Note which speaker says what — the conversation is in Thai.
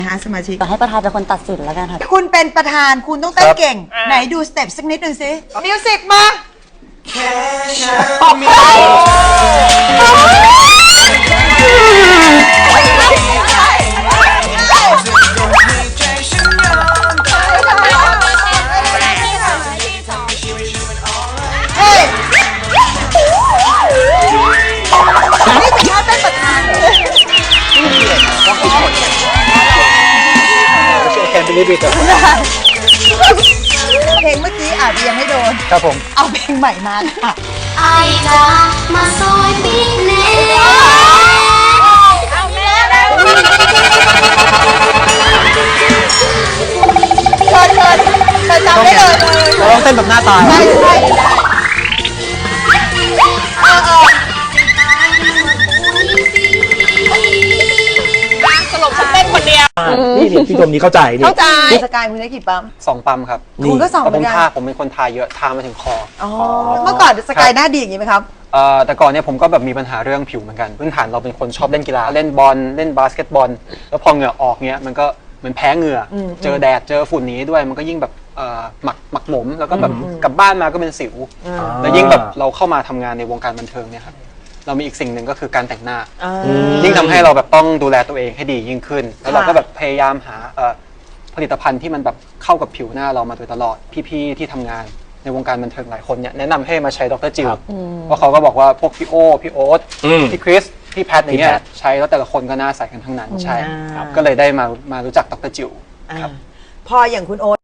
Speaker 1: สมาชิก
Speaker 2: ให้ประธานเป็นคนตัดสินแล้วกันค่ะ
Speaker 1: คุณเป็นประธานคุณต้องเต้นเก่ง ไหนดูสเต็ปสักนิดหนึ่งสิมิวสิกมาเฮ้ยนี่เป็นท่าเต้นประธานเหรอ
Speaker 3: แคนดิลิบิต
Speaker 1: เพลงเมื่อกี้อาจจะยังไม่โดน
Speaker 3: ครับผม
Speaker 1: เอาเพลงใหม่มาค่ะ
Speaker 4: ไอ้จ้ามาซอยปีเน่เอาแม่แล้ว
Speaker 1: เชิญจำได้เลย
Speaker 3: เราต้องเต้นแบบหน้าตาย
Speaker 1: ใช่
Speaker 5: สรุปฉันเต้นคนเดียว
Speaker 3: นี่พี่ชมนี้เข้าใจนี่
Speaker 5: เข้าใจ
Speaker 1: สกายมึงได้กี่ปั๊ม
Speaker 6: 2 ปั๊มครับ
Speaker 1: คุณก็สองเหมือนกัน
Speaker 6: ผมเป็นคนทาเยอะทามาถึงคอ
Speaker 1: อ๋อเมื่อก่อนสกายหน้าดีอย่างนี้ไหมครับ
Speaker 6: แต่ก่อนเนี่ยผมก็แบบมีปัญหาเรื่องผิวเหมือนกันพื้นฐานเราเป็นคนชอบเล่นกีฬาเล่นบอลเล่นบาสเกตบอลแล้วพอเหงื่อออกเนี้ยมันก็เหมือนแพ้เหงื่อเจอแดดเจอฝุ่นนี้ด้วยมันก็ยิ่งแบบหมักหมมแล้วก็แบบกลับบ้านมาก็เป็นสิวแล้วยิ่งแบบเราเข้ามาทำงานในวงการบันเทิงเนี่ยครับเรามีอีกสิ่งหนึ่งก็คือการแต่งหน้ายิ่งทำให้เราแบบต้องดูแลตัวเองให้ดียิ่งขึ้นแล้วเราก็แบบพยายามหาผลิตภัณฑ์ที่มันแบบเข้ากับผิวหน้าเรามาโดยตลอดพี่ๆที่ทำงานในวงการบันเทิงหลายคนเนี่ยแนะนำให้มาใช้ดรจิลเพราะเขาก็บอกว่าพวกพี่โอพี่โอ๊ตพี่คริสพี่แพทอย่างเงี้ยใช้แล้วแต่ละคนก็หน้าใสกันทั้งนั้นใช่ก็เลยได้มารู้จักดรจิลครับ
Speaker 1: พออย่างคุณโอ๊ต